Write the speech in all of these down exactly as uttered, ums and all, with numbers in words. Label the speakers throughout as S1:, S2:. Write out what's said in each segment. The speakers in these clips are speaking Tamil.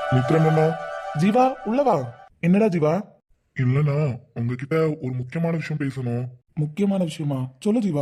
S1: மித்ரன்
S2: ஜீவா உள்ளவா. என்னடா ஜீவா?
S1: இல்லண்ணா, உங்ககிட்ட ஒரு முக்கியமான விஷயம் பேசணும்.
S2: முக்கியமான விஷயமா? சொல்லு ஜீவா.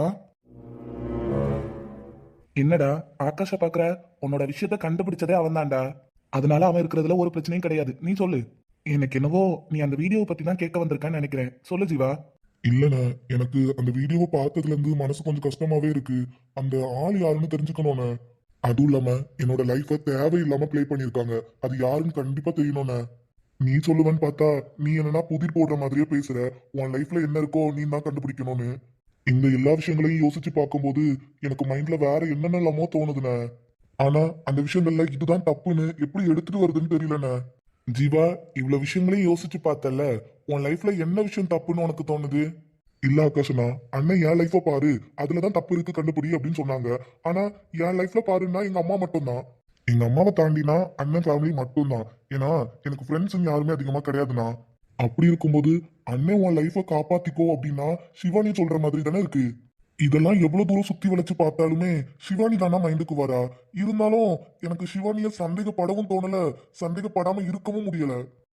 S2: என்னடா ஆகாஷ பாக்குற? உன்னோட விஷயத்த கண்டுபிடிச்சதே அவன் தான்டா. அதனால அவன் இருக்கிறதுல ஒரு பிரச்சனையும் கிடையாது. நீ சொல்லு. எனக்கு என்னவோ நீ அந்த வீடியோவை பத்தி தான் கேட்க வந்திருக்கான்னு நினைக்கிறேன். சொல்லு ஜீவா.
S1: இல்லண்ணா, எனக்கு அந்த வீடியோவை பார்த்ததுல இருந்து மனசு கொஞ்சம் கஷ்டமாவே இருக்கு. அந்த ஆள் யாருன்னு தெரிஞ்சுக்கணும்ண்ணே. அதுவும் இல்லாம என்னோட லைஃப தேவையில்லாம ப்ளே பண்ணிருக்காங்க. அது யாருன்னு கண்டிப்பா தெரியணும்ண்ணே. நீ சொல்லுவேன்னு பார்த்தா நீ என்னன்னா புதிர் போடுற மாதிரியே பேசுற. உன் லைஃப்ல என்ன இருக்கோ நீ தான் கண்டுபிடிக்கணும்னு. இந்த எல்லா விஷயங்களையும் யோசிச்சு பார்க்கும்போது எனக்கு மைண்ட்ல வேற என்னென்னலாமோ தோணுதுண்ணே. ஆனா அந்த விஷயங்கள்ல இதுதான் தப்புன்னு எப்படி எடுத்துட்டு வருதுன்னு தெரியலண்ணே. ஜீவா, இவ்வளவு விஷயங்களையும் யோசிச்சு பார்த்தல, உன் லைஃப்ல என்ன விஷயம் தப்புன்னு உனக்கு தோணுது? இல்ல ஆகாஷனா, அண்ணன் என் லைஃப பாரு, அதுலதான் தப்பு இருக்கு கண்டுபிடி அப்படின்னு சொன்னாங்க. ஆனா என் லைஃப்ல பாருன்னா எங்க அம்மா மட்டும்தான். எங்க அம்மாவை தாண்டினா அண்ணன் ஃபேமிலி மட்டும்தான். ஏன்னா எனக்கு ஃப்ரெண்ட்ஸ் யாருமே அதிகமா கிடையாதுண்ணா. அப்படி இருக்கும்போது அண்ணன் உன் லைஃப காப்பாத்திக்கோ அப்படின்னா சிவானி சொல்ற மாதிரி தானே இருக்கு. இதெல்லாம் எவ்வளவு தூரம் சுத்தி வளைச்சு பார்த்தாலுமே சிவானி தானா மைண்டுக்கு வரா. இருந்தாலும் எனக்கு சிவானிய சந்தேகப்படவும் தோணல, சந்தேகப்படாம இருக்கவும் முடியல.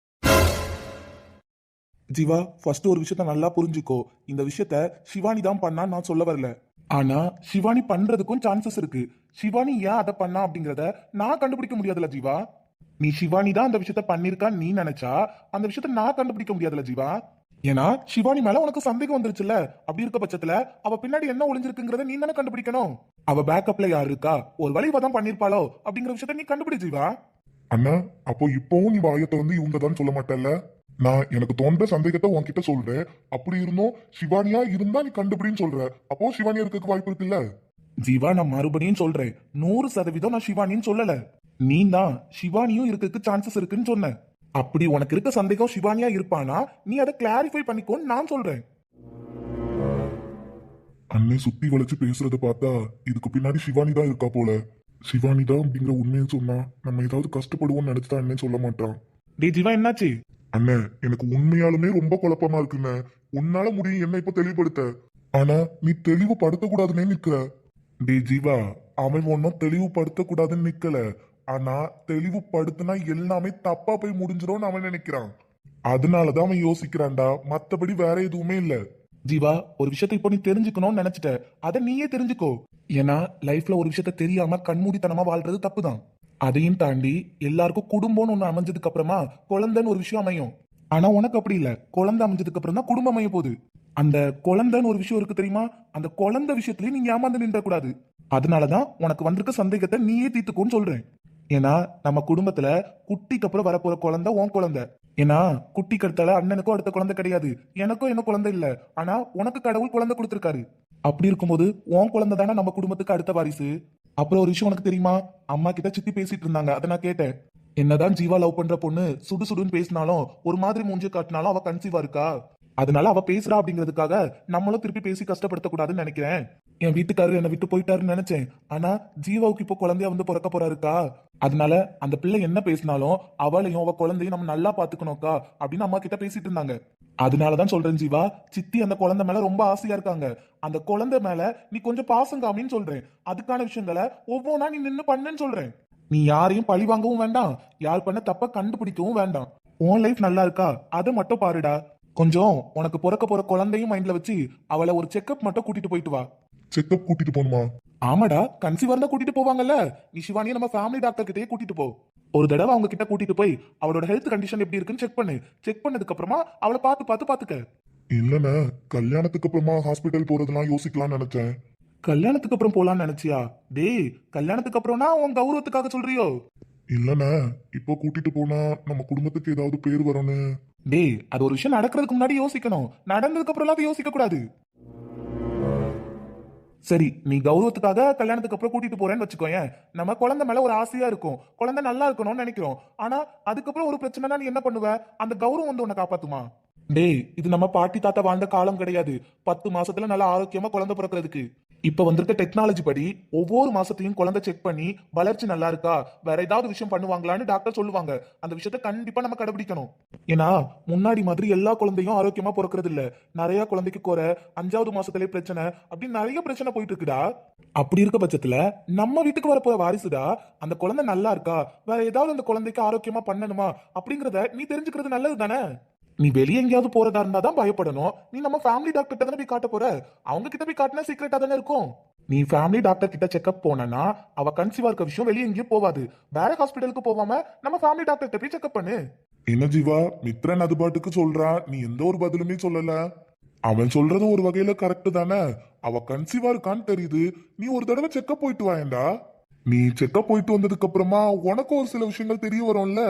S2: ஜீவா, ஃபர்ஸ்ட் ஒரு விஷயத்த நல்லா புரிஞ்சுக்கோ. இந்த விஷயத்த சிவானி தான் பண்ணா நான் சொல்ல வரல. ஆனா சிவானி பண்றதுக்கும் சான்சஸ் இருக்கு. சிவானி ஏன் அதை பண்ணா அப்படிங்கறத நான் கண்டுபிடிக்க முடியாதுல ஜீவா. நீ சிவானி தான் அந்த விஷயத்த பண்ணிருக்கான்னு நீ நினைச்சா அந்த விஷயத்த நான் கண்டுபிடிக்க முடியாதுல ஜீவா. ஏன்னா சிவானி மேல உனக்கு சந்தேகம் வந்துருச்சுல்ல. அப்படி இருக்க பட்சத்துல அவ பின்னாடி என்ன ஒளிஞ்சிருக்குங்கிறத நீ தானே கண்டுபிடிக்கணும். அவ பேக்கப்ல யார் இருக்கா, ஒரு வழி தான் பண்ணிருப்பாளோ அப்படிங்கிற விஷயத்த நீ கண்டுபிடி ஜீவா.
S1: அண்ணா, அப்போ இப்பவும் நீ வாயத்தை வந்து இவங்க தான் சொல்ல மாட்டேல்ல. நான் எனக்கு தோன்ற சந்தேகத்தை உன்கிட்ட சொல்றேன். அப்படி இருந்தும் சிவானியா இருந்தா நீ கண்டுபிடின்னு சொல்ற. அப்போ சிவானியா இருக்க வாய்ப்பு இருக்குல்ல.
S2: ஜீவா, நான் மறுபடியும் சொல்றேன், நூறு சதவீதம் நான் சிவானின்னு சொல்லல. நீ தான் சிவானியும் இருக்கிறதுக்கு சான்சஸ் இருக்குன்னு சொன்ன. அப்படி உனக்கு இருக்க சந்தேகம் சிவானியா இருப்பானா நீ அதை கிளாரிஃபை பண்ணிக்கோன்னு நான் சொல்றேன்.
S1: அண்ணே சுத்தி வளைச்சு பேசுறத பார்த்தா இதுக்கு பின்னாடி சிவானி தான் இருக்கா போல. சிவானி தான் அப்படிங்கிற உண்மையை சொன்னா நம்ம ஏதாவது கஷ்டப்படுவோம்னு நினைச்சுதான் அண்ணே சொல்ல மாட்டான்.
S2: டே ஜீவா, என்னாச்சு?
S1: அண்ணே, எனக்கு உண்மையாலுமே ரொம்ப குழப்பமா இருக்குண்ணே. உன்னால முடியும் என்ன இப்ப தெளிவுபடுத்த. ஆனா நீ தெளிவுபடுத்த கூடாதுன்னே நிக்கிற. டே ஜீவா, அவன் ஒன்னும் தெளிவுபடுத்த கூடாதுன்னு நிக்கல. ஆனா தெளிவுபடுத்தினா எல்லாமே தப்பா போய் முடிஞ்சிரும்னு அவன் நினைக்கிறான். அதனாலதான் அவன் யோசிக்கிறான்டா, மத்தபடி வேற எதுவுமே இல்ல. ஜீவா, ஒரு விஷயத்தை இப்போ நீ தெரிஞ்சுக்கணும்னு நினைச்சிட்ட, அதை நீயே தெரிஞ்சுக்கோ. ஏன்னா லைஃப்ல ஒரு விஷயத்த தெரியாம கண்மூடித்தனமா வாழ்றது தப்புதான். அதையும் தாண்டி எல்லாருக்கும் குடும்பம்னு ஒண்ணு அமைஞ்சதுக்கு அப்புறமா குழந்தைன்னு ஒரு விஷயம் அமையும். ஆனா உனக்கு அப்படி இல்ல. குழந்தை அமைஞ்சதுக்கு அப்புறம் தான் குடும்பம் அமைய போகுது. அந்த குழந்தைன்னு ஒரு விஷயம் இருக்கு தெரியுமா? அந்த குழந்தை விஷயத்திலயும் நீங்க ஏமாந்து நின்ற கூடாது. அதனாலதான் உனக்கு வந்திருக்க சந்தேகத்தை நீயே தீர்த்துக்கோன்னு சொல்றேன். ஏன்னா நம்ம குடும்பத்துல குட்டிக்கு அப்புறம் வரப்போற குழந்தை உன் குழந்தை. ஏன்னா குட்டிக்கு அடுத்தால அண்ணனுக்கும் அடுத்த குழந்தை கிடையாது, எனக்கும் என்ன குழந்தை இல்ல. ஆனா உனக்கு கடவுள் குழந்தை கொடுத்திருக்காரு. அப்படி இருக்கும்போது உன் குழந்தை தானே நம்ம குடும்பத்துக்கு அடுத்த வாரிசு. அப்புறம் ஒரு விஷயம் உனக்கு தெரியுமா? அம்மா கிட்ட சித்தி பேசிட்டு இருந்தாங்க, அதை நான் கேட்டேன். என்னதான் ஜீவா லவ் பண்ற பொண்ணு சுடு சுடுன்னு பேசினாலும் ஒரு மாதிரி மூஞ்சி காட்டினாலும் அவ கன்சீவா இருக்கா. அதனால அவ பேசுறா அப்படிங்கிறதுக்காக நம்மளும் திருப்பி பேசி கஷ்டப்படுத்த கூடாதுன்னு நினைக்கிறேன். என் வீட்டுக்காரர் என்னை விட்டு போயிட்டாருன்னு நினைச்சேன். ஆனா ஜீவாவுக்கு இப்போ குழந்தையா வந்து பிறக்க போறாருக்கா. அதனால அந்த பிள்ளை என்ன பேசினாலும் அவளையும் அவ குழந்தையும் நம்ம நல்லா பாத்துக்கணும்க்கா அப்படின்னு அம்மா கிட்ட பேசிட்டு இருந்தாங்க. அதனாலதான் சொல்றேன் ஜீவா, சித்தி அந்த குழந்தை மேல ரொம்ப ஆசையா இருக்காங்க. அந்த குழந்தை மேல நீ கொஞ்சம் பாசம் காமின்னு சொல்றேன். அதுக்கான விஷயங்களை ஒவ்வொன்றா நீ நின்னு பண்ணுன்னு சொல்றேன். நீ யாரையும் பழி வாங்கவும் வேண்டாம், யார் பண்ண தப்ப கண்டுபிடிக்கவும் வேண்டாம். உன் லைஃப் நல்லா இருக்கா அதை மட்டும் பாருடா. கொஞ்சம் உனக்கு பிறக்க போற குழந்தையும் மைண்ட்ல வச்சு அவளை ஒரு செக்அப் மட்டும் கூட்டிட்டு போயிட்டு வா. செக்அப் கூட்டிட்டு போகணுமா? ஆமாடா, கன்சீவா இருந்தா கூட்டிட்டு போவாங்கல்ல. நீ சிவானியை நம்ம ஃபேமிலி டாக்டர் கிட்டயே கூட்டிட்டு போ. ஒரு தடவை அவங்க கிட்ட கூட்டிட்டு போய் அவளோட ஹெல்த் கண்டிஷன் எப்படி இருக்குன்னு செக் பண்ணு. செக் பண்ணதுக்கு அப்புறமா அவளை பார்த்து பார்த்து பாத்துக்க. இல்லண்ணே, கல்யாணத்துக்கு அப்புறமா ஹாஸ்பிட்டல் போறதெல்லாம் யோசிக்கலாம்னு நினைச்சேன். கல்யாணத்துக்கு அப்புறம் போலான்னு நினைச்சியா? டேய், கல்யாணத்துக்கு அப்புறம்னா உன் கௌரவத்துக்காக சொல்றியோ? இல்லண்ணே, இப்போ கூட்டிட்டு போனா நம்ம குடும்பத்துக்கு ஏதாவது பேர் வரும்னு. டேய், அது ஒரு விஷயம் நடக்கிறதுக்கு முன்னாடி யோசிக்கணும், நடந்ததுக்கு அப்புறம் அதை யோசிக்க கூடாது. சரி, நீ கௌரவத்துக்காக கல்யாணத்துக்கு அப்புறம் கூட்டிட்டு போறேன்னு வச்சுக்கோயேன். நம்ம குழந்தை மேல ஒரு ஆசையா இருக்கும், குழந்தை நல்லா இருக்கணும்னு நினைக்கிறோம். ஆனா அதுக்கப்புறம் ஒரு பிரச்சனைனா நீ என்ன பண்ணுவ? அந்த கௌரவம் வந்து உன்னை காப்பாத்துமா? டேய், இது நம்ம பாட்டி தாத்தா வாழ்ந்த காலம் கிடையாது. பத்து மாசத்துல நல்லா ஆரோக்கியமா குழந்தை பிறக்கிறதுக்கு.
S2: இப்ப வந்திருக்க டெக்னாலஜி படி ஒவ்வொரு மாசத்தையும் குழந்தை செக் பண்ணி வளர்ச்சி நல்லா இருக்கா, வேற ஏதாவது விஷயம் பண்ணுவாங்களான்னு டாக்டர் சொல்லுவாங்க. அந்த விஷயத்த கண்டிப்பா நம்ம கடைபிடிக்கணும். ஏன்னா முன்னாடி மாதிரி எல்லா குழந்தையும் ஆரோக்கியமா பிறக்கிறது இல்ல. நிறைய குழந்தைக்கு குறை, அஞ்சாவது மாசத்திலே பிரச்சனை, அப்படின்னு நிறைய பிரச்சனை போயிட்டு இருக்குடா. அப்படி இருக்க பட்சத்துல நம்ம வீட்டுக்கு வரப்போற வாரிசுடா அந்த குழந்தை நல்லா இருக்கா, வேற ஏதாவது அந்த குழந்தைக்கு ஆரோக்கியமா பண்ணணுமா அப்படிங்கறத நீ தெரிஞ்சுக்கிறது நல்லது தானே. நீ வெளியே எங்கேயாவது போறதா இருந்தா தான் பயப்படணும். நீ நம்ம ஃபேமிலி டாக்டர் கிட்ட தானே போய் காட்ட போற. அவங்க கிட்ட போய் காட்டினா சீக்கிரட்டா தானே இருக்கும். நீ ஃபேமிலி டாக்டர் கிட்ட செக்அப் போனா அவ கன்சீவா இருக்க விஷயம் வெளியே எங்கேயும் போவாது. வேற ஹாஸ்பிட்டலுக்கு போகாம நம்ம ஃபேமிலி டாக்டர் கிட்ட போய் செக்அப் பண்ணு.
S1: என்ன ஜீவா, மித்ரன் அது பாட்டுக்கு சொல்றான், நீ எந்த ஒரு பதிலுமே சொல்லல. அவன் சொல்றதும் ஒரு வகையில கரெக்ட் தானே. அவ கன்சீவா இருக்கான்னு தெரியுது, நீ ஒரு தடவை செக்அப் போயிட்டு வாயேண்டா. நீ செக்அப் போயிட்டு வந்ததுக்கு அப்புறமா உனக்கு ஒரு சில விஷயங்கள் தெரிய வரும்ல.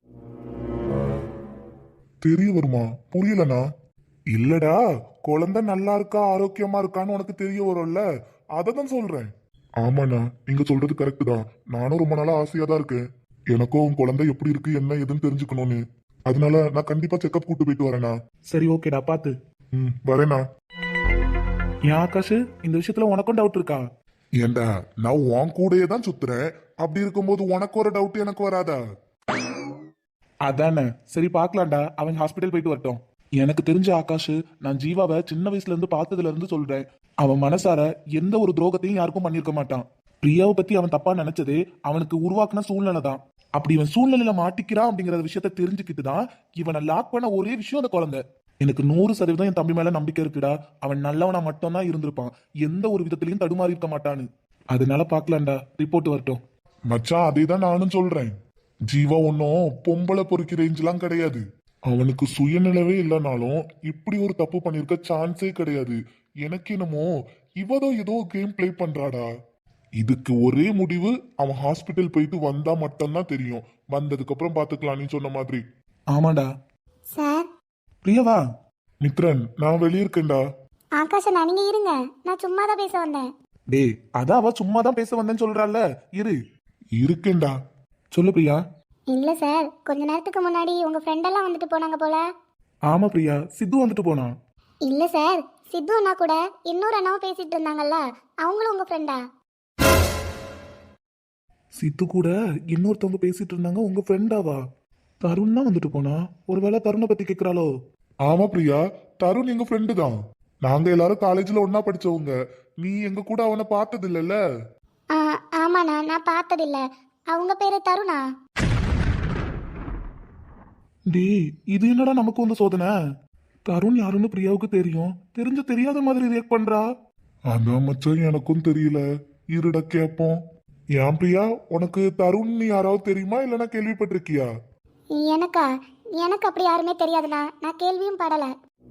S1: தெரிய வருமா? புரியலனா? இல்லடா, குழந்தை நல்லா இருக்கா ஆரோக்கியமா இருக்கான்னு உனக்கு தெரிய வரும்ல, அததான் சொல்றேன். ஆமாண்ணா, நீங்க சொல்றது கரெக்ட் தான். நானும் ரொம்ப நாளா ஆசையா தான் இருக்கேன். எனக்கும் உன் குழந்தை எப்படி இருக்கு என்ன ஏதுன்னு தெரிஞ்சுக்கணும்னு. அதனால நான் கண்டிப்பா செக்அப் கூட்டு போயிட்டு வரேனா.
S2: சரி ஓகேடா, பாத்து.
S1: ம், வரேனா.
S2: ஏன் ஆகாஷ், இந்த விஷயத்துல உனக்கும் டவுட் இருக்கா?
S1: ஏண்டா, நான் உன் கூடயே தான் சுத்துறேன். அப்படி இருக்கும்போது உனக்கு ஒரு டவுட் எனக்கு வராதா?
S2: அதானே, சரி பாக்கலாம்டா, அவன் ஹாஸ்பிட்டல் போயிட்டு வரட்டும். எனக்கு தெரிஞ்ச ஆகாஷ், நான் ஜீவாவை சின்ன வயசுல இருந்து பார்த்ததுல இருந்து சொல்றேன், அவன் மனசார எந்த ஒரு துரோகத்தையும் யாருக்கும் பண்ணிருக்க மாட்டான். பிரியாவை பத்தி அவன் தப்பா நினைச்சது அவனுக்கு உருவாக்குன சூழ்நிலை தான். அப்படி இவன் சூழ்நிலையில மாட்டிக்கிறான் அப்படிங்கிற விஷயத்த தெரிஞ்சுக்கிட்டு தான் இவனை லாக் பண்ண ஒரே விஷயம் அந்த குழந்தை. எனக்கு நூறு சதவீதம் என் தம்பி மேல நம்பிக்கை இருக்குடா. அவன் நல்லவனா மட்டும் தான் இருந்திருப்பான், எந்த ஒரு விதத்திலையும் தடுமாறி இருக்க மாட்டான்னு. அதனால பாக்கலாம்டா, ரிப்போர்ட் வரட்டும்.
S1: மச்சான், அதே தான் நானும் சொல்றேன். ஜீவா ஒன்னும் பொம்பளை பொறுக்கி ரேஞ்செல்லாம் கிடையாது. அவனுக்கு சுயநிலவே இல்லைனாலும் இப்படி ஒரு தப்பு பண்ணிருக்க சான்ஸே கிடையாது. எனக்கு என்னமோ இவதோ ஏதோ கேம் பிளே பண்றாடா. இதுக்கு ஒரே முடிவு, அவன் ஹாஸ்பிட்டல் போயிட்டு வந்தா மட்டும்தான் தெரியும். வந்ததுக்கு அப்புறம் பாத்துக்கலாம், நீ சொன்ன மாதிரி.
S2: ஆமாடா.
S3: சார்.
S2: பிரியாவா?
S1: மித்ரன், நான் வெளியே இருக்கேன்டா.
S3: ஆகாஷ், நீங்க இருங்க, நான் சும்மா தான் பேச வந்தேன்.
S2: டேய், அதான் அவ சும்மா தான் பேச வந்தேன்னு சொல்றாள்ல, இரு.
S1: இருக்கேன்டா.
S2: சொல்லு பிரியா.
S3: இல்ல சார், கொஞ்ச நேரத்துக்கு முன்னாடி உங்க ஃப்ரெண்ட் எல்லாம் வந்துட்டு போனாங்க போல.
S2: ஆமா பிரியா, சித்து வந்துட்டு போனான்.
S3: இல்ல சார், சித்து அண்ணா கூட இன்னொரு அண்ணாவும் பேசிட்டு இருந்தாங்கல்ல, அவங்களும் உங்க ஃப்ரெண்டா?
S2: சித்து கூட இன்னொருத்தவங்க பேசிட்டு இருந்தாங்க, உங்க ஃப்ரெண்டாவா? தருண் தான் வந்துட்டு போனா. ஒருவேளை தருணை பத்தி கேக்குறாளோ?
S1: ஆமா பிரியா, தருண் எங்க ஃப்ரெண்டு தான். நாங்க எல்லாரும் காலேஜ்ல ஒன்னா படிச்சவங்க. நீ எங்க கூட அவனை பார்த்தது இல்லல்ல?
S3: ஆ, ஆமாண்ணா, நான் பார்த்ததில்ல. அவங்க பேரு தருணா?
S2: டேய், இது என்னடா நமக்கு வந்து சோதனை? தருண் யாருன்னு பிரியாவுக்கு தெரியும், தெரிஞ்ச தெரியாத மாதிரி ரியாக்ட் பண்றா.
S1: அதான் மச்சான், எனக்கும் தெரியல. இருட கேப்போம். ஏன் பிரியா, உனக்கு தருண் யாராவது தெரியுமா இல்லைன்னா கேள்விப்பட்டிருக்கியா?
S3: எனக்கா? எனக்கு அப்படி யாருமே தெரியாதுண்ணா, நான் கேள்வியும் படல.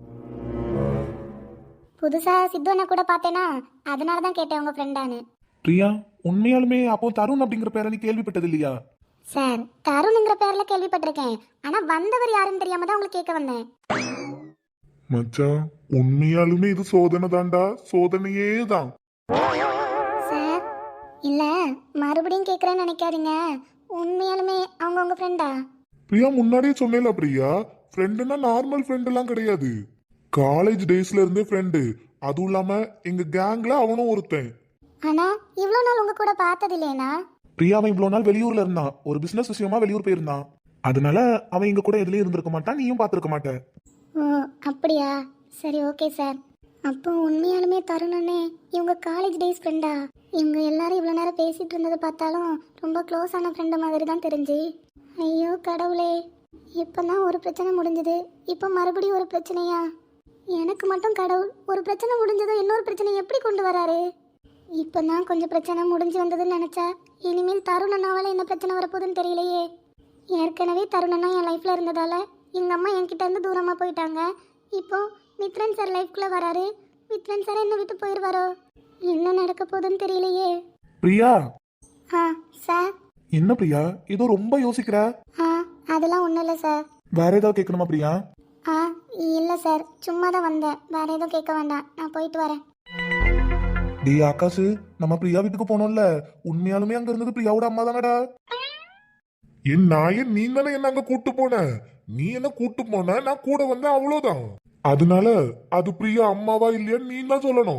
S3: புதுசா சித்து அண்ணா கூட பார்த்தேனா, அதனால தான் கேட்டேன் உங்க ஃப்ரெண்டான்னு.
S2: பிரியா, உண்மையாலுமே அப்போ தருண் அப்படிங்கிற பேரை நீ கேள்விப்பட்டது இல்லையா?
S3: சார், தருணுங்கிற பேர்ல கேள்விப்பட்டிருக்கேன், ஆனா வந்தவர் யாருன்னு தெரியாம தான் உங்களுக்கு கேட்க வந்தேன்.
S1: மச்சான், உண்மையாலுமே இது சோதனை தான்டா, சோதனையே தான்.
S3: சார், இல்ல மறுபடியும் கேட்கறேன்னு நினைக்காதீங்க, உண்மையாலுமே அவங்க உங்க ஃப்ரெண்டா?
S1: பிரியா, முன்னாடியே சொன்னேல பிரியா, ஃப்ரெண்டுனா நார்மல் ஃப்ரெண்ட் எல்லாம் கிடையாது. காலேஜ் டேஸ்ல இருந்தே ஃப்ரெண்டு. அதுவும் இல்லாம எங்க கேங்ல அவனும் ஒருத்தன்.
S3: ஆனா இவ்வளவு நாள் உங்க கூட பார்த்தது இல்லையா?
S2: பிரியா, அவன் இவ்வளவு நாள் வெளியூர்ல இருந்தான், ஒரு பிசினஸ் விஷயமா வெளியூர் போயிருந்தான். அதனால அவன் இங்க கூட எதுலயும் இருந்திருக்க மாட்டான், நீயும் பாத்துருக்க மாட்ட.
S3: ஓ அப்படியா, சரி ஓகே சார். அப்போ உண்மையாலுமே தருணனே இவங்க காலேஜ் டேஸ் ஃப்ரெண்டா? இவங்க எல்லாரும் இவ்வளோ நேரம் பேசிட்டு இருந்ததை பார்த்தாலும் ரொம்ப க்ளோஸ் ஆன ஃப்ரெண்டு மாதிரி தான் தெரிஞ்சு. ஐயோ கடவுளே, இப்போதான் ஒரு பிரச்சனை முடிஞ்சது, இப்போ மறுபடியும் ஒரு பிரச்சனையா? எனக்கு மட்டும் கடவுள் ஒரு பிரச்சனை முடிஞ்சதும் இன்னொரு பிரச்சனை எப்படி கொண்டு வராரு? இப்போ தான் கொஞ்சம் பிரச்சனை முடிஞ்சு வந்ததுன்னு நினச்சா இனிமேல் தருணனாவால் என்ன பிரச்சனை வரப்போகுதுன்னு தெரியலையே. ஏற்கனவே தருணனா என் லைஃப்பில் இருந்ததால எங்கள் அம்மா என்கிட்ட இருந்து தூரமாக போயிட்டாங்க. இப்போ மித்ரன் சார் லைஃப்குள்ளே வராரு, மித்ரன் சார் என்ன விட்டு போயிடுவாரோ? என்ன நடக்க போகுதுன்னு தெரியலையே.
S2: பிரியா.
S3: ஆ சார்.
S2: என்ன பிரியா, ஏதோ ரொம்ப யோசிக்கிற?
S3: ஆ அதெல்லாம் ஒன்றும் இல்லை சார்.
S2: வேற ஏதாவது கேட்கணுமா பிரியா?
S3: ஆ இல்லை சார், சும்மா தான் வந்தேன், வேற எதுவும் கேட்க வேண்டாம், நான் போயிட்டு வரேன்.
S2: டே ஆகாஷ், நம்ம பிரியா வீட்டுக்கு போனோம்ல, உண்மையாலுமே அங்க இருந்தது பிரியாவோட அம்மா தானடா.
S1: என் நாயன், நீ தானே என்ன அங்க கூட்டு போன. நீ என்ன கூட்டு போன, நான் கூட வந்தேன், அவ்வளவுதான். அதனால அது பிரியா அம்மாவா இல்லையான்னு நீ தான் சொல்லணும்.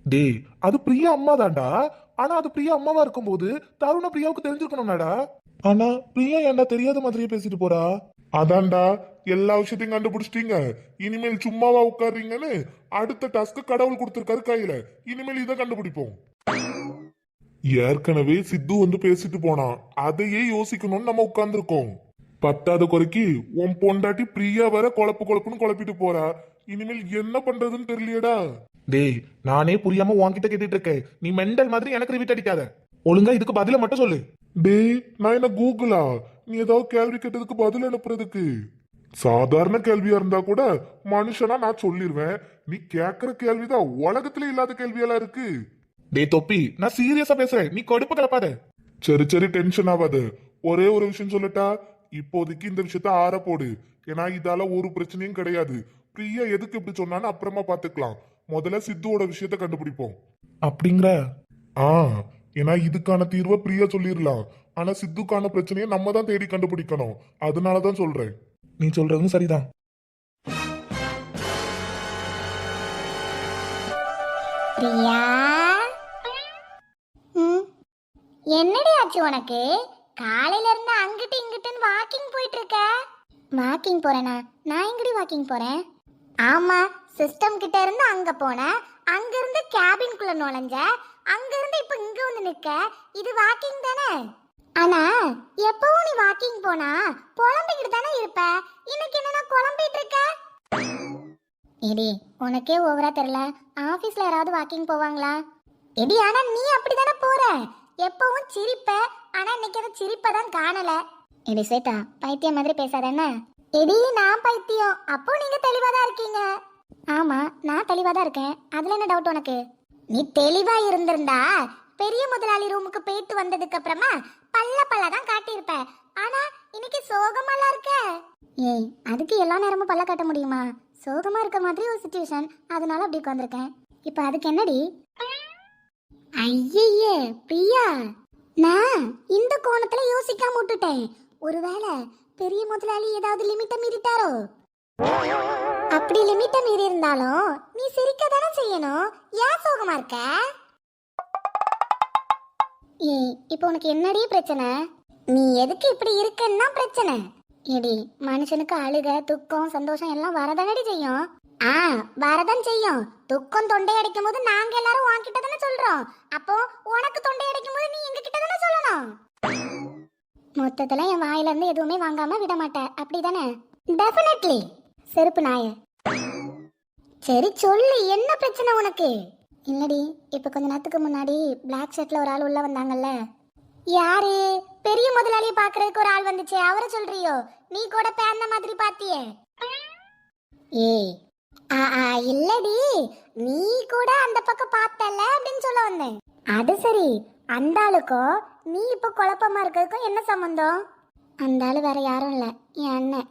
S2: டேய் அது பிரியா அம்மா தான்டா. ஆனா அது பிரியா அம்மாவா இருக்கும்போது தருண பிரியாவுக்கு தெரிஞ்சிருக்கணும்னாடா. ஆனா பிரியா ஏன்டா தெரியாத மாதிரியே பேசிட்டு போறா?
S1: அதான்டா, எல்லா விஷயத்தையும் கண்டுபிடிச்சிட்டீங்க. இனிமேல் சும்மாவா உட்காருறீங்கன்னு அடுத்த டாஸ்க் கடவுள் கொடுத்திருக்காரு கையில. இனிமேல் இதை கண்டுபிடிப்போம். ஏற்கனவே சித்து வந்து பேசிட்டு போனான், அதையே யோசிக்கணும்னு நம்ம உட்கார்ந்துருக்கோம். பத்தாவது குறைக்கு உன் பொண்டாட்டி பிரியா வர குழப்பு குழப்புன்னு குழப்பிட்டு போறா. இனிமேல் என்ன பண்றதுன்னு தெரியலையடா.
S2: டேய் நானே புரியாம உன்கிட்ட கேட்டுட்டு இருக்கேன், நீ மெண்டல் மாதிரி எனக்கு ரிவீட் அடிக்காத. ஒழுங்கா இதுக்கு பதில மட்டும் சொல்லு.
S1: டேய், நான் என்ன கூகுளா நீ ஏதாவது கேள்வி கேட்டதுக்கு பதில் அனுப்புறதுக்கு? சாதாரண கேள்வியா இருந்தா கூட மனுஷனா நான் சொல்லிடுவேன். நீ கேக்குற கேள்விதான் உலகத்துல இல்லாத கேள்வியெல்லாம் இருக்கு.
S2: டேய் தொப்பி, நான் சீரியஸா பேசுறேன், நீ கடுப்பு கலப்பாத.
S1: சரி சரி, டென்ஷன் ஆகாது. ஒரே ஒரு விஷயம் சொல்லட்டா, இப்போதைக்கு இந்த விஷயத்த ஆற போடு. ஏன்னா இதால ஒரு பிரச்சனையும் கிடையாது. பிரியா எதுக்கு இப்படி சொன்னான்னு அப்புறமா பாத்துக்கலாம். முதல்ல சித்துவோட விஷயத்த கண்டுபிடிப்போம்.
S2: அப்படிங்கிற?
S1: ஆ, ஏன்னா இதுக்கான தீர்வை பிரியா சொல்லிடலாம். ஆனா சித்துக்கான பிரச்சனையை நம்ம தான் தேடி கண்டுபிடிக்கணும். அதனாலதான் சொல்றேன்.
S2: நீ சொல்றதும் சரிதான்.
S3: பிரியா, ம், என்னடி ஆச்சு உனக்கு? காலையில இருந்து அங்கிட்டு இங்கிட்டுன்னு வாக்கிங் போயிட்டு இருக்க. வாக்கிங் போறேனா? நான் எங்கடி வாக்கிங் போறேன்? ஆமா, சிஸ்டம் கிட்ட இருந்து அங்க போனேன், அங்க இருந்து கேபின்குள்ள நுழைஞ்ச, அங்க இருந்து இப்ப இங்க வந்து நிக்க. இது வாக்கிங் தானே? ஆனா எப்பவும் நீ வாக்கிங் போனா புலம்பிக்கிட்டு தானே இருப்ப. இன்னைக்கு என்னன்னா குழம்பிட்டு இருக்க? எடி, உனக்கே ஓவரா தெரியல. ஆபீஸ்ல யாராவது வாக்கிங் போவாங்களா? எடி, ஆனா நீ அப்படிதானே போற. எப்பவும் சிரிப்ப, ஆனா இன்னைக்கு அந்த சிரிப்பை தான் காணல. எடி ஸ்வேதா, பைத்தியம் மாதிரி பேசாத என்ன? எடி, நான் பைத்தியம், அப்போ நீங்க தெளிவா தான் இருக்கீங்க. ஆமா, நான் தெளிவா தான் இருக்கேன். அதுல என்ன டவுட் உனக்கு? நீ தெளிவா இருந்திருந்தா பெரிய முதலாளி ரூமுக்கு போயிட்டு வந்ததுக்கு அப்புறமா பல்ல பல்ல தான் காட்டியிருப்ப. ஆனா இன்னைக்கு சோகமாலாம் இருக்க. ஏய், அதுக்கு எல்லா நேரமும் பல்ல காட்ட முடியுமா? சோகமா இருக்க மாதிரி ஒரு சிச்சுவேஷன், அதனால அப்படி உட்காந்துருக்கேன். இப்ப அதுக்கு என்னடி? ஐயே பிரியா, நான் இந்த கோணத்துல யோசிக்காம விட்டுட்டேன். ஒருவேளை பெரிய முதலாளி ஏதாவது லிமிட்ட மீறிட்டாரோ? அப்படி லிமிட்ட மீறி இருந்தாலும் நீ சிரிக்க தானே செய்யணும். ஏன் சோகமா இருக்க? ஏய், இப்போ உனக்கு என்னடி பிரச்சனை? நீ எதுக்கு இப்படி இருக்கன்னா பிரச்சனை. ஏடி, மனுஷனுக்கு அழுக, துக்கம், சந்தோஷம் எல்லாம் வரதானடி செய்யும். ஆ, வரதான் செய்யும். துக்கம் தொண்டை அடிக்கும் போது நாங்க எல்லாரும் உன்கிட்ட தானே சொல்றோம். அப்போ உனக்கு தொண்டை அடிக்கும் போது நீ எங்க கிட்ட தானே சொல்லணும். மொத்தத்துல என் வாயில இருந்து எதுவுமே வாங்காம விட மாட்டேன், அப்படிதானே? டெஃபினெட்லி. செருப்பு நாய. சரி சொல்லு, என்ன பிரச்சனை உனக்கு? இல்லடி, இப்ப கொஞ்ச நேரத்துக்கு முன்னாடி பிளாக் ஷர்ட்ல ஒரு ஆள் உள்ள வந்தாங்கல்ல. யாரு? பெரிய முதலாளிய பாக்குறதுக்கு ஒரு ஆள் வந்துச்சே, அவரை சொல்றியோ? நீ கூட பேந்த மாதிரி பாத்தியே. ஏய், ஆ ஆ இல்லடி, நீ கூட அந்த பக்கம் பார்த்தல அப்படின்னு சொல்ல வந்தேன். அது சரி, அந்த ஆளுக்கும் நீ இப்ப குழப்பமா இருக்கிறதுக்கும் என்ன சம்பந்தம்? அந்த ஆளு வேற யாரும் இல்ல, என் அண்ணன்.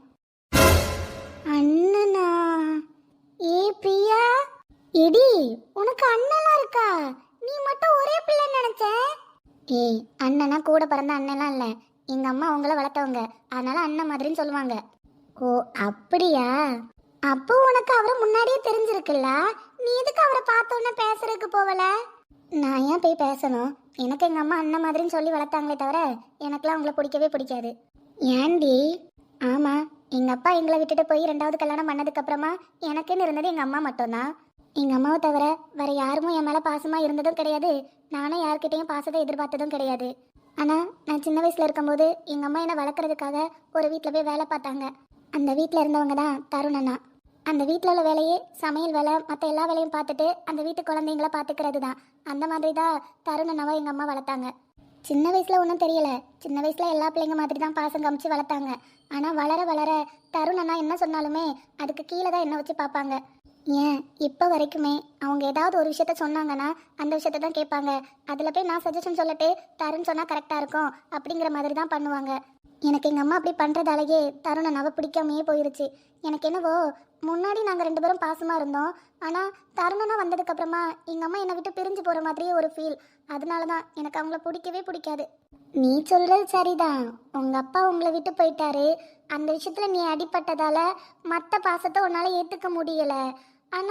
S3: அண்ணனா? ஏ பிரியா, எடி உனக்கு அண்ணலாம் இருக்கா? நீ மட்டும் ஒரே பிள்ளை நினைச்ச. ஏய், அண்ணனா கூட பிறந்த அண்ணெல்லாம் இல்ல, எங்க அம்மா அவங்கள வளர்த்தவங்க, அதனால அண்ணன் மாதிரின்னு சொல்லுவாங்க. ஓ அப்படியா? அப்போ உனக்கு அவரை முன்னாடியே தெரிஞ்சிருக்குல்ல, நீ எதுக்கு அவரை பார்த்த உடனே பேசுறதுக்கு போவல? நான் ஏன் போய் பேசணும்? எனக்கு எங்க அம்மா அண்ணன் மாதிரின்னு சொல்லி வளர்த்தாங்களே தவிர எனக்குலாம் அவங்கள பிடிக்கவே பிடிக்காது. ஏண்டி? ஆமா, எங்க அப்பா எங்களை விட்டுட்டு போய் ரெண்டாவது கல்யாணம் பண்ணதுக்கு அப்புறமா எனக்குன்னு இருந்தது எங்க அம்மா மட்டும்தான். எங்க அம்மாவை தவிர வேற யாரும் என் மேல பாசமா இருந்ததும் கிடையாது. நானும் யார்கிட்டையும் பாசத்தை எதிர்பார்த்ததும் கிடையாது. ஆனா நான் சின்ன வயசுல இருக்கும்போது எங்க அம்மா என்னை வளர்க்கறதுக்காக ஒரு வீட்டுல போய் வேலை பார்த்தாங்க. அந்த வீட்டுல இருந்தவங்க தான் தருணண்ணா. அந்த வீட்டில் உள்ள வேலையே சமையல் வேலை, மற்ற எல்லா வேலையும் பார்த்துட்டு அந்த வீட்டு குழந்தைங்கள பார்த்துக்கிறது தான். அந்த மாதிரி தான் தருணண்ணாவை எங்கள் அம்மா வளர்த்தாங்க. சின்ன வயசில் ஒன்றும் தெரியல, சின்ன வயசில் எல்லா பிள்ளைங்க மாதிரி தான் பாசம் காமிச்சு வளர்த்தாங்க. ஆனால் வளர வளர தருணண்ணா என்ன சொன்னாலுமே அதுக்கு கீழே தான் என்ன வச்சு பார்ப்பாங்க. ஏன் இப்போ வரைக்குமே அவங்க ஏதாவது ஒரு விஷயத்த சொன்னாங்கன்னா அந்த விஷயத்த தான் கேட்பாங்க. அதில் போய் நான் சஜஷன் சொல்லட்டு தருண் சொன்னால் கரெக்டாக இருக்கும் அப்படிங்கிற மாதிரி தான் பண்ணுவாங்க. எனக்கு எங்கள் அம்மா அப்படி பண்ணுறதாலேயே தருணண்ணாவை பிடிக்காமையே போயிருச்சு. எனக்கு என்னவோ முன்னாடி நாங்கள் ரெண்டு பேரும் பாசமாக இருந்தோம், ஆனால் தருணனா வந்ததுக்கப்புறமா எங்கள் அம்மா என்னை விட்டு பிரிஞ்சு போகிற மாதிரியே ஒரு ஃபீல். அதனால தான் எனக்கு அவங்கள பிடிக்கவே பிடிக்காது. நீ சொல்கிறது சரிதான், உங்கள் அப்பா உங்களை விட்டு போயிட்டாரு, அந்த விஷயத்தில் நீ அடிப்பட்டதால் மற்ற பாசத்தை உன்னால் ஏற்றுக்க முடியலை. ஆனால்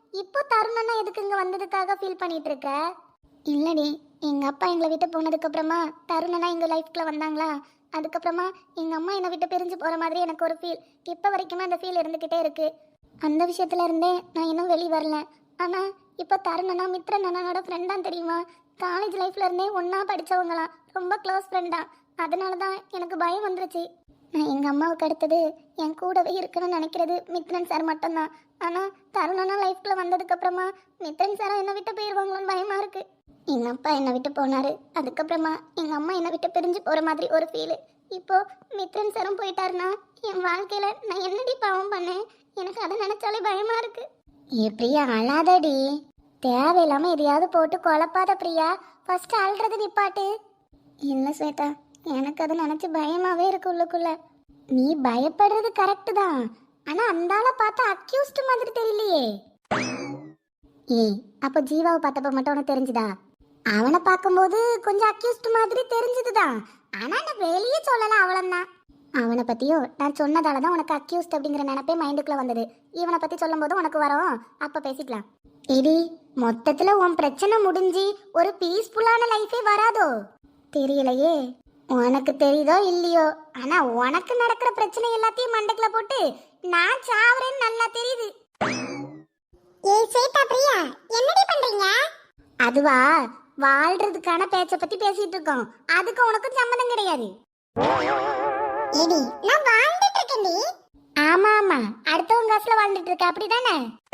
S3: இப்போ தருணனா எதுக்கு இங்க வந்ததுக்காக ஃபீல் பண்ணிட்டு இருக்க? இல்லடி, எங்க அப்பா எங்களை விட்டு போனதுக்கு அப்புறமா தருணனா எங்க லைஃப்குள்ள வந்தாங்களா, அதுக்கப்புறமா எங்க அம்மா என்னை விட்டு பிரிஞ்சு போற மாதிரி எனக்கு ஒரு ஃபீல் இப்போ வரைக்குமே அந்த ஃபீல் இருந்துகிட்டே இருக்கு. அந்த விஷயத்துல இருந்தே நான் இன்னும் வெளியே வரல. ஆனா இப்போ தருணனா மித்ரன் அண்ணனோட ஃப்ரெண்டா தெரியுமா? காலேஜ் லைஃப்ல இருந்தே ஒன்னா படிச்சவங்களாம், ரொம்ப க்ளோஸ் ஃப்ரெண்டா. அதனால தான் எனக்கு பயம் வந்துருச்சு. நான் எங்க அம்மாவுக்கு அடுத்தது என் கூடவே இருக்கணும்னு நினைக்கிறது மித்ரன் சார் மட்டும்தான். ஆனா தருணனா லைஃப்குள்ள வந்ததுக்கு அப்புறமா மித்ரன் சாரை என்னை விட்டு போயிடுவாங்களோன்னு பயமா இருக்கு. எங்க அப்பா என்னை விட்டு போனாரு, அதுக்கப்புறமா எங்க அம்மா என்னை விட்டு பிரிஞ்சு போற மாதிரி ஒரு ஃபீல். இப்போ மித்ரன் சாரும் போயிட்டாருன்னா என் வாழ்க்கையில நான் என்னடி பாவம் பண்ணேன்? எனக்கு அதை நினைச்சாலே பயமா இருக்கு. ஏ பிரியா, அழாதடி. தேவையில்லாம எதையாவது போட்டு குழப்பாத பிரியா. ஃபர்ஸ்ட் அழுறது நிப்பாட்டு. இல்ல ஸ்வேதா, எனக்கு அதை நினைச்சு பயமாவே இருக்கு உள்ளுக்குள்ள. நீ பயப்படுறது கரெக்டு தான், ஆனா அந்த ஆளை பார்த்தா அக்யூஸ்ட் மாதிரி தெரியலையே. ஏய், அப்ப ஜீவாவை பார்த்தப்ப மட்டும் உனக்கு தெரிஞ்சுதா? அவனை பார்க்கும்போது கொஞ்சம் அக்யூஸ்ட் மாதிரி தெரிஞ்சதுதான், ஆனா நான் வெளியே சொல்லல அவ்வளவுதான். அவனை பத்தியும் நான் சொன்னதால தான் உனக்கு அக்யூஸ்ட் அப்படிங்கிற நினைப்பே மைண்டுக்குள்ள வந்தது. இவனை பத்தி சொல்லும் போது உனக்கு வரும், அப்ப பேசிக்கலாம். எடி, மொத்தத்துல உன் பிரச்சனை முடிஞ்சு ஒரு பீஸ்ஃபுல்லான லைஃபே வராதோ? தெரியலையே. உனக்கு தெரியுதோ இல்லையோ, ஆனா உனக்கு நடக்கிற பிரச்சனை எல்லாத்தையும் மண்டைக்குள்ள போட்டு நான் சாவறேன்னு நல்லா தெரியுது. ஏய் சேதா பிரியா, என்னடி பண்றீங்க? அதுவா, வாழ்றதுக்கான பேச்ச பத்தி பேசிட்டு இருக்கோம். அதுக்கு உனக்கு சம்மதம் கிடையாது. ஏடி, நான் வாழ்ந்துட்டு இருக்கேன்டி. ஆமா ஆமா, அடுத்தவங்க காசுல வாழ்ந்துட்டு இருக்க, அப்படிதானே?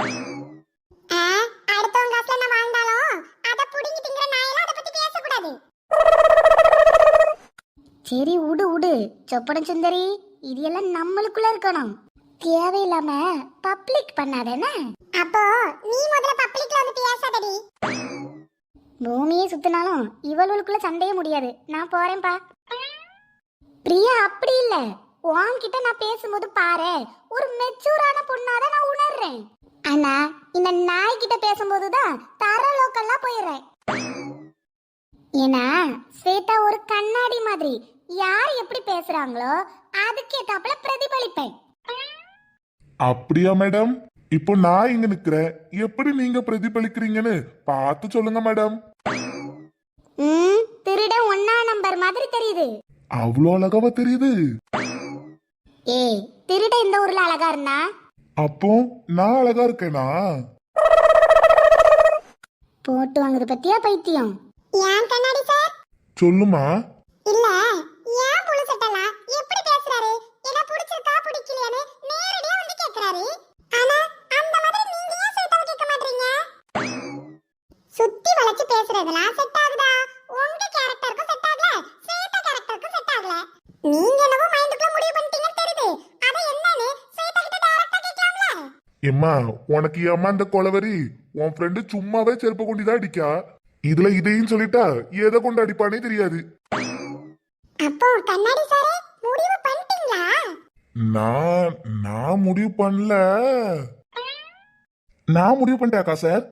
S3: அடுத்தவங்க காசுல நான் வாழ்ந்தாலும் அத புடிங்கி திங்கற நாயெல்லாம் அத பத்தி பேசக்கூடாது. சரி உடு உடு சொப்பன சுந்தரி, இது எல்லாம் நம்மளுக்குள்ள இருக்கணும். தேவையில்லாம பப்ளிக் பண்ணாதேனா? அப்போ நீ முதல்ல பப்ளிக்ல வந்து பேசாதடி. பூமியே சுத்தினாலும் இவளுக்குள்ள சண்டையே முடியாது. நான் போறேன்பா. பிரியா, அப்படி இல்ல, உன்கிட்ட நான் பேசும்போது பாரு, ஒரு மெச்சூரான பொண்ணாதான் நான் உணர்றேன். ஆனா இந்த நாய் கிட்ட பேசும்போதுதான் தர லோக்கல்லாம் போயிடுறேன். ஏன்னா ஸ்வேதா ஒரு கண்ணாடி மாதிரி, யார் எப்படி பேசுறாங்களோ அதுக்கேத்தாப்புல பிரதிபலிப்பேன்.
S1: அப்படியா மேடம்? இப்போ நான் இங்க நிக்கிறேன், எப்படி நீங்க பிரதிபலிக்கிறீங்கன்னு பார்த்து சொல்லுங்க மேடம்.
S3: ம், திருட ஒன்னா நம்பர் மாதிரி தெரியுது.
S1: அவ்வளோ அழகாவா தெரியுது?
S3: ஏய், திருட இந்த ஊர்ல அழகா இருந்தா
S1: அப்போ நான் அழகா இருக்கேனா?
S3: போட்டு வாங்குறது பத்தியா பைத்தியம்? ஏன் கண்ணாடி சார்?
S1: சொல்லுமா.
S3: இல்ல, ஏன் புளு சட்டலாம் எப்படி பேசுறாரு? என்ன பிடிச்சிருக்கா பிடிக்கலையான்னு நேரடியா வந்து கேக்குறாரு. ஆனா அந்த மாதிரி நீங்க ஏன் சேட்டாவை கேட்க மாட்டீங்க? சுத்தி வளைச்சு பேசுறதெல்லாம் செட் ஆகுதா? உங்க கேரக்டருக்கு செட் ஆகல, சேட்டா கேரக்டருக்கு செட் ஆகல. நீங்க என்னவோ மைண்டுக்குள்ள முடிவு பண்ணிட்டீங்கன்னு தெரியுது. அத என்னன்னு சேட்டா கிட்ட டைரக்டா கேட்கலாம்ல?
S1: எம்மா, உனக்கு ஏம்மா இந்த கொலவரி? உன் ஃப்ரெண்டு சும்மாவே செருப்பு கொண்டுதான் அடிக்கா, இதுல இதையும் சொல்லிட்டா எதை கொண்டு அடிப்பானே தெரியாது.
S3: அப்போ கண்ணாடி சாரே முடிவு பண்ணிட்டீங்களா?
S1: நான் நான் முடிவு பண்ணல. நான் முடிவு பண்ணிட்டேக்கா சார்.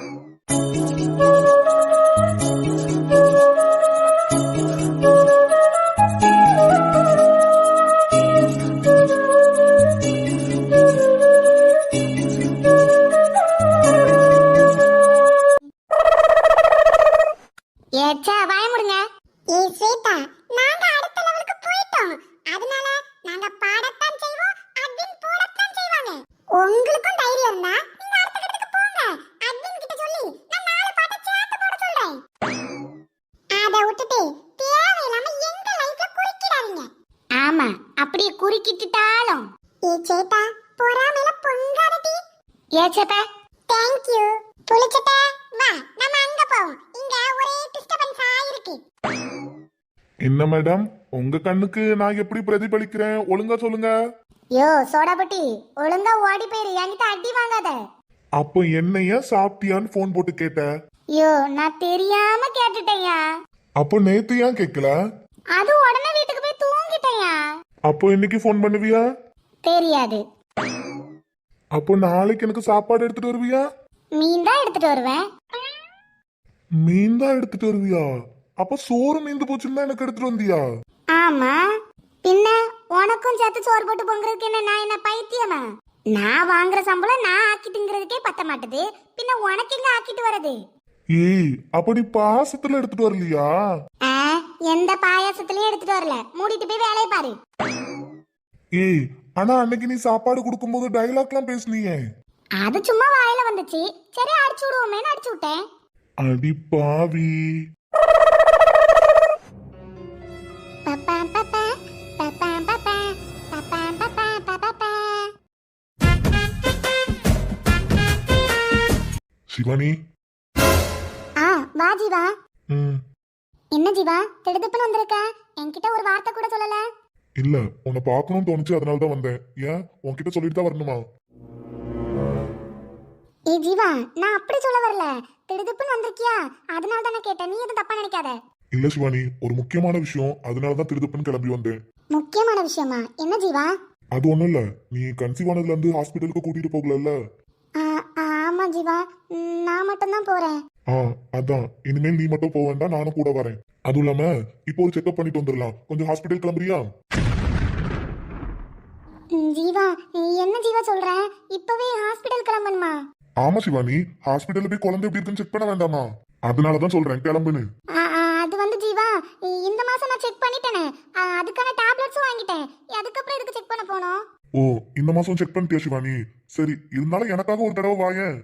S3: ஏச்சா வாய முடுங்க. ஏய் ஸ்வேதா, நாங்க அடுத்த லெவலுக்கு போய்ட்டோம். அதனால நாங்க பாடத்தான் செய்வோம், அட்மின் போடத்தான் செய்வாங்க. உங்களுக்கும் தைரியம் இருந்தா நீங்க அடுத்த கட்டத்துக்கு போங்க. அட்மின் கிட்ட சொல்லி நான் நாலு பாட்ட சேர்த்து போட சொல்றேன். அத விட்டுட்டு தேவையில்லாம எங்க லைஃப்ல குறுக்கிடாதீங்க. ஆமா, அப்படியே குறுக்கிட்டாலும். ஏய் சேதா, பொறாமையில பொங்காதடி. ஏ சேதா, தேங்க் யூ. புளிச்சட்டா, வா நம்ம அங்க போவோம். இங்க ஒரே டிஸ்டர்பன்ஸா இருக்கு.
S1: என்ன மேடம், உங்க கண்ணுக்கு நான் எப்படி பிரதிபலிக்கிறேன் ஒழுங்கா சொல்லுங்க.
S3: யோ சோடாபட்டி, ஒழுங்கா ஓடி போயிரு, என்கிட்ட அடி வாங்காத.
S1: அப்போ என்னைய சாப்பிட்டியான்னு போன் போட்டு கேட்ட?
S3: யோ நான் தெரியாம கேட்டுட்டேயா.
S1: அப்போ நேத்து ஏன் கேட்கல?
S3: அது உடனே வீட்டுக்கு போய் தூங்கிட்டேயா.
S1: அப்போ இன்னைக்கு போன் பண்ணுவியா?
S3: தெரியாது.
S1: அப்போ நாளைக்கு எனக்கு சாப்பாடு எடுத்துட்டு வருவியா?
S3: மீன் தான் எடுத்துட்டு வருவேன்.
S1: மீன் தான் எடுத்துட்டு வருவியா? அப்ப சோறு மீந்து போச்சுன்னா எனக்கு எடுத்துட்டு வந்தியா?
S3: ஆமா, பின்ன உனக்கும் சேர்த்து சோறு போட்டு பொங்குறதுக்கு என்ன நான் என்ன பைத்தியமா? நான் வாங்குற சம்பளம் நான் ஆக்கிட்டுங்கிறதுக்கே பத்த மாட்டுது, பின்ன உனக்கு எங்க ஆக்கிட்டு வரது?
S1: ஏய் அப்படி பாசத்துல எடுத்துட்டு வரலையா?
S3: ஆ, எந்த பாயாசத்துலயும் எடுத்துட்டு வரல, மூடிட்டு போய் வேலையை பாரு.
S1: ஏய் ஆனா அன்னைக்கு நீ சாப்பாடு கொடுக்கும்போது டைலாக்லாம் பேசுனியே.
S3: அது சும்மா வாயில வந்துச்சு, சரி அடிச்சு விடுவோமேன்னு அடிச்சு விட்டேன்.
S1: அடி பாவி.
S3: பப்பா பப்பா பப்பா பப்பா பப்பா பப்பா பப்பா.
S1: சிவானி.
S3: ஆ வா ஜீவா.
S1: ம்.
S3: என்ன ஜீவா திடுதுப்புன்னு வந்திருக்க, என்கிட்ட ஒரு வார்த்தை கூட சொல்லல?
S1: இல்ல உன்னை பார்க்கணும்னு தோணுச்சு, அதனால தான் வந்தேன். ஏன் உன்கிட்ட சொல்லிட்டு தான் வரணுமா?
S3: ஏ ஜீவா, நான் அப்படி சொல்ல வரல, திடுதுப்புன்னு வந்திருக்கியா அதனால தான் நான் கேட்டேன், நீ எதுவும் தப்பா நினைக்காத.
S1: இல்ல சிவானி, ஒரு முக்கியமான விஷயம், அதனால தான் திருதுப்புன்னு கிளம்பி வந்தேன்.
S3: முக்கியமான விஷயமா? என்ன ஜீவா?
S1: அது ஒண்ணும் இல்ல, நீ கன்சீவ் ஆனதுல இருந்து ஹாஸ்பிட்டலுக்கு கூட்டிட்டு போகல.
S3: ஆ, ஆமா ஜீவா, ம், நான் மட்டும்தான் போறேன்.
S1: ஆ அதான், இனிமேல் நீ மட்டும் போக வேண்டாம், நானும் கூட வரேன். அதுவும் இல்லாம இப்போ ஒரு செக்அப் பண்ணிட்டு வந்துடலாம். கொஞ்சம் ஹாஸ்பிட்டல் கிளம்புறியா?
S3: ம், ஜீவா என்ன ஜீவா சொல்ற, இப்பவே ஹாஸ்பிடல் கிளம்பணுமா?
S1: ஆமா சிவானி, ஹாஸ்பிட்டல்ல போய் குழந்தை எப்படி இருக்குன்னு செக் பண்ண வேண்டாமா? அதனாலதான் சொல்றேன் கிளம்புன்னு.
S3: ஆ, ஆ, அது வந்து ஜீவா, இந்த மாசம் நான் செக் பண்ணிட்டேனே, ஆ, அதுக்கான டேப்லெட்ஸும் வாங்கிட்டேன், அதுக்கப்புறம் எதுக்கு செக் பண்ண போனோம்?
S1: ஓ இந்த மாசம் செக் பண்ணிட்டியா சிவானி? சரி, இருந்தாலும் எனக்காக ஒரு தடவை வாயேன்.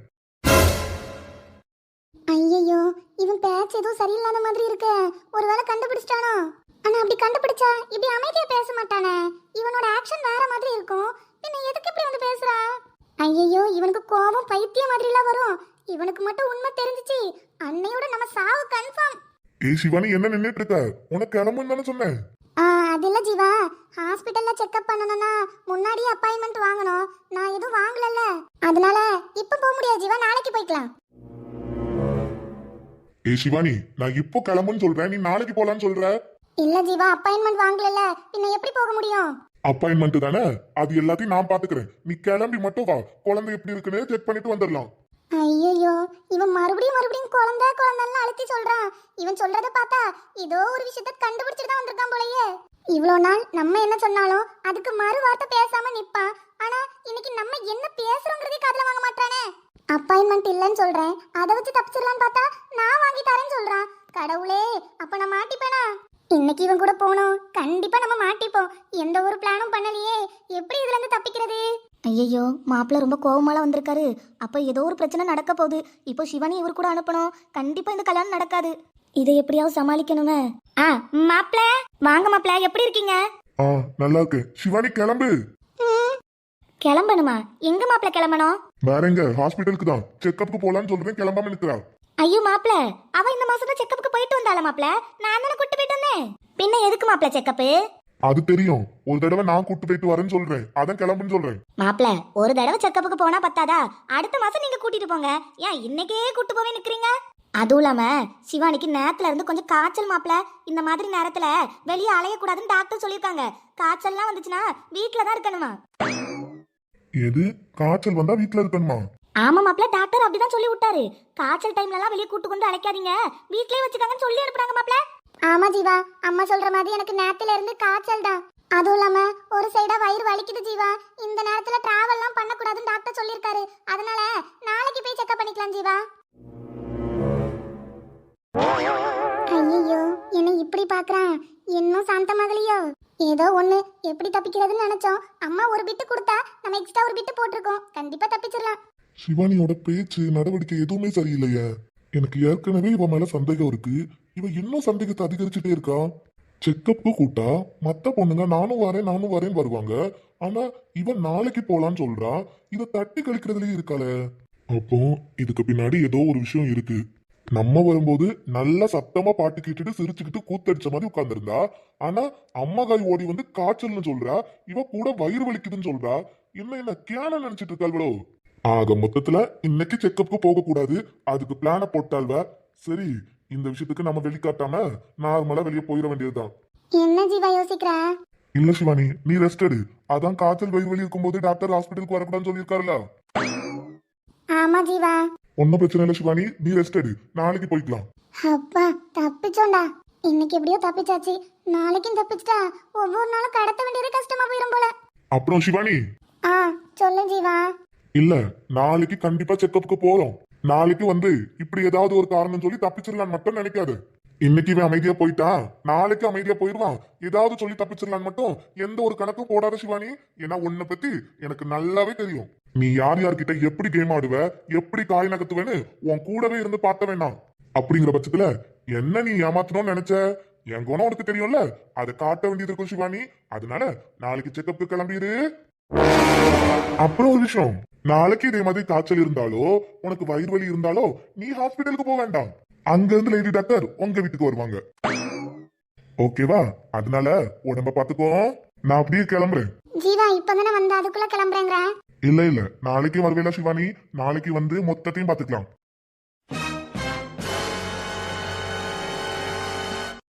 S3: ஐயோ, இவன் பேச்சு ஏதோ சரியில்லாத மாதிரி இருக்கு, ஒருவேளை கண்டுபிடிச்சிட்டானோ? ஆனா அப்படி கண்டுபிடிச்சா இப்படி அமைதியா பேச மாட்டானே, இவனோட ஆக்ஷன் வேற மாதிரி இருக்கும், பின்ன எதுக்கு இப்படி வந்து பேசுறா? ஐயோ, இவனுக்கு கோபம் பைத்தியம் மாதிரிலாம் வரும், இவனுக்கு மட்டும் உண்மை தெரிஞ்சிச்சு அன்னையோட நம்ம சாவு கன்ஃபார்ம்.
S1: ஏய் சிவானி, என்ன நின்னுட்டு இருக்க? உனக்கு கிளம்புன்னு தானே சொன்னேன்.
S3: ஆ, அது இல்ல ஜீவா, ஹாஸ்பிடல்ல செக்அப் பண்ணணும்னா முன்னாடியே அப்பாயின்மெண்ட் வாங்கணும், நான் எதுவும் வாங்கலல்ல, அதனால இப்ப போக முடியாது ஜீவா, நாளைக்கு போய்க்கலாம்.
S1: ஏய் சிவானி, நான் இப்போ கிளம்புன்னு சொல்றேன், நீ நாளைக்கு போலான்னு சொல்ற.
S3: இல்ல ஜீவா, அப்பாயின்மெண்ட் வாங்கலல்ல, பின்ன எப்படி போக முடியும்?
S1: அப்பாயின்மெண்ட் தானே, அது எல்லாத்தையும் நான் பாத்துக்கிறேன். நீ கிளம்பி மட்டும் வா, குழந்தை எப்படி இருக்குன்னு செக் பண்ணிட்டு வந்துடலாம்.
S3: ஐயோ, இவன் மறுபடியும் மறுபடியும் குழந்தை குழந்தைன்னு அழுத்தி சொல்றான், இவன் சொல்றத பார்த்தா ஏதோ ஒரு விஷயத்த கண்டுபிடிச்சிட்டு தான் வந்திருக்கான் போலயே. இவ்வளோ நாள் நம்ம என்ன சொன்னாலும் அதுக்கு மறு வார்த்தை பேசாம நிப்பான், ஆனா இன்னைக்கு நம்ம என்ன பேசுறோங்கிறதே காதுல வாங்க மாட்டானே. அப்பாயின்மெண்ட் இல்லைன்னு சொல்றேன், அதை வச்சு தப்பிச்சிடலான்னு பார்த்தா நான் வாங்கி தரேன்னு சொல்றான். கடவுளே, அப்ப நான் மாட்டிப்பேனா? இன்னைக்கு இவன் கூட போனோம், கண்டிப்பா நம்ம மாட்டிப்போம். எந்த ஒரு பிளானும் பண்ணலையே, எப்படி இதுல இருந்து தப்பிக்கிறது?
S4: ஐயோ, மாப்பிள்ள ரொம்ப கோவமால வந்திருக்காரு. அப்ப ஏதோ ஒரு பிரச்சனை நடக்க போகுது. இப்போ சிவானி இவர் கூட அனுப்பணும், கண்டிப்பா இந்த கல்யாணம் நடக்காது. இதை எப்படியாவது சமாளிக்கணுமே. ஆ மாப்பிள்ள, வாங்க மாப்பிள்ள, எப்படி இருக்கீங்க?
S1: ஆ நல்லா இருக்கு. சிவானி கிளம்பு.
S4: கிளம்பணுமா? எங்க மாப்பிள்ள கிளம்பணும்?
S1: வேற எங்க? ஹாஸ்பிட்டலுக்கு தான். செக்அப்க்கு போலான்னு சொல்றேன், கிளம்பாம நிக்கிறா.
S4: ஐயோ மாப்பிள்ள, அவ இந்த மாசம் தான் செக்கப்புக்கு போயிட்டு வந்தால மாப்பிள்ள, நான் தானே கூட்டு போயிட்டு வந்தேன். பின்ன எதுக்கு மாப்பிள்ள செக்கப்பு?
S1: அது தெரியும், ஒரு தடவை நான் கூட்டு போயிட்டு வரேன்னு சொல்றேன், அதான் கிளம்புன்னு சொல்றேன்.
S4: மாப்பிள்ள, ஒரு தடவை செக்கப்புக்கு போனா பத்தாதா? அடுத்த மாசம் நீங்க கூட்டிட்டு போங்க. ஏன் இன்னைக்கே கூட்டு போவே நிக்கிறீங்க? அதுவும் இல்லாம சிவானிக்கு நேரத்துல இருந்து கொஞ்சம் காய்ச்சல் மாப்பிள்ள, இந்த மாதிரி நேரத்துல வெளியே அலையக்கூடாதுன்னு டாக்டர் சொல்லியிருக்காங்க. காய்ச்சல்லாம் வந்துச்சுன்னா வீட்டுல தான் இருக்கணுமா.
S1: எது? காய்ச்சல் வந்தா வீட்டுல இருக்கணுமா?
S4: ஆமா மாப்பிள்ள, டாக்டர் அப்படிதான் சொல்லி விட்டாரு. காய்ச்சல் டைம்ல எல்லாம் வெளியே கூட்டு கொண்டு அழைக்காதீங்க, வீட்லயே வச்சுக்காங்கன்னு சொல்லி அனுப்புறாங்க மாப்பிள்ள.
S3: ஆமா ஜீவா, அம்மா சொல்ற மாதிரி எனக்கு நேரத்துல இருந்து காய்ச்சல் தான், அதுவும் இல்லாம ஒரு சைடா வயிறு வலிக்குது ஜீவா. இந்த நேரத்துல டிராவல்லாம் பண்ணக்கூடாதுன்னு டாக்டர் சொல்லியிருக்காரு, அதனால நாளைக்கு போய் செக்அப் பண்ணிக்கலாம் ஜீவா. ஐயோ, என்ன இப்படி பாக்குறான், இன்னும் சாந்தமாகலையோ? ஏதோ ஒண்ணு, எப்படி தப்பிக்கிறதுன்னு நினைச்சோம். அம்மா ஒரு பிட்டு கொடுத்தா நம்ம எக்ஸ்ட்ரா ஒரு பிட்டு போட்டிருக்கோம், கண்டிப்பா தப்பிச்சிடலாம்.
S1: சிவானியோட பேச்சு நடவடிக்கை எதுவுமே சரியில்லையே. எனக்கு ஏற்கனவே இவ மேல சந்தேகம் இருக்கு, இவ இன்னும் சந்தேகத்தை அதிகரிச்சுட்டே இருக்கா. செக்கப்புக்கு கூட்டா மத்த பொண்ணுங்க நானும் வரேன் நானும் வரேன் வருவாங்க, ஆனா இவன் நாளைக்கு போலான்னு சொல்றா. இத தட்டி கழிக்கிறதுலயே இருக்காளே. அப்போ இதுக்கு பின்னாடி ஏதோ ஒரு விஷயம் இருக்கு. நம்ம வரும்போது நல்லா சத்தமா பாட்டு கேட்டுட்டு சிரிச்சுக்கிட்டு கூத்தடிச்ச மாதிரி உட்கார்ந்துருந்தா, ஆனா அம்மா காய் ஓடி வந்து காய்ச்சல்னு சொல்றா, இவ கூட வயிறு வலிக்குதுன்னு சொல்றா. என்ன என்ன கேன நினைச்சிட்டு இருக்காள்வளோ. ஆக மொத்தத்துல இன்னைக்கு செக்கப்புக்கு போக கூடாது, அதுக்கு பிளான போட்டாள்வ. சரி, இந்த விஷயத்துக்கு நம்ம வெளிக்காட்டாம நார்மலா வெளியே போயிட வேண்டியதுதான்.
S3: என்ன ஜீவா யோசிக்கிற?
S1: இல்ல சிவானி, நீ ரெஸ்ட் எடு. அதான் காய்ச்சல் வயிறு வலி இருக்கும்போது டாக்டர் ஹாஸ்பிட்டலுக்கு வரக்கூடாதுன்னு சொல்லியிருக்காருல்ல.
S3: ஆமா ஜீவா.
S1: ஒன்னும் பிரச்சனை இல்ல சிவானி, நீ ரெஸ்ட் எடு, நாளைக்கு போய்க்கலாம்.
S3: அப்பா, தப்பிச்சோண்டா. இன்னைக்கு எப்படியோ தப்பிச்சாச்சு, நாளைக்கும் தப்பிச்சிட்டா ஒவ்வொரு நாளும் கடத்த வேண்டியது கஷ்டமா போயிரும் போல.
S1: அப்புறம் சிவானி,
S3: ஆ சொல்லு ஜீவா.
S1: இல்ல நாளைக்கு கண்டிப்பா செக்கப்புக்கு போறோம். நாளைக்கு வந்து இப்படி ஏதாவது ஒரு காரணம் சொல்லி தப்பிச்சிடலான்னு மட்டும் நினைக்காது. இன்னைக்கு இவன் அமைதியா போயிட்டான், நாளைக்கு அமைதியா போயிடுவான். ஏதாவது சொல்லி தப்பிச்சிடலான்னு மட்டும் எந்த ஒரு கணக்கும் போடாத சிவானி. ஏன்னா உன்னை பத்தி எனக்கு நல்லாவே தெரியும். நீ யார் யார்கிட்ட எப்படி கேம் ஆடுவ, எப்படி காய் நகர்த்துவேன்னு உன் கூடவே இருந்து பார்த்த வேணாம். அப்படிங்கிற பட்சத்துல என்ன நீ ஏமாத்தணும்னு நினைச்ச, என் குணம் உனக்கு தெரியும்ல, அதை காட்ட வேண்டியது இருக்கும் சிவானி. அதனால நாளைக்கு செக்கப்புக்கு கிளம்பிடு. அப்புறம் ஒரு விஷயம், நாளைக்கு இதே மாதிரி காய்ச்சல் இருந்தாலோ உனக்கு வயிறு வலி இருந்தாலோ நீ ஹாஸ்பிட்டலுக்கு போக வேண்டாம். அங்க இருந்து லேடி டாக்டர் உங்க வீட்டுக்கு வருவாங்க. ஓகேவா? அதனால உடம்ப பாத்துக்கோ. நான் அப்படியே கிளம்புறேன்.
S3: ஜீவா இப்பதானே வந்த அதுக்குள்ள கிளம்புறேங்கிற.
S1: இல்ல இல்ல நாளைக்கு வருவேல சிவானி. நாளைக்கு வந்து மொத்தத்தையும் பாத்துக்கலாம்.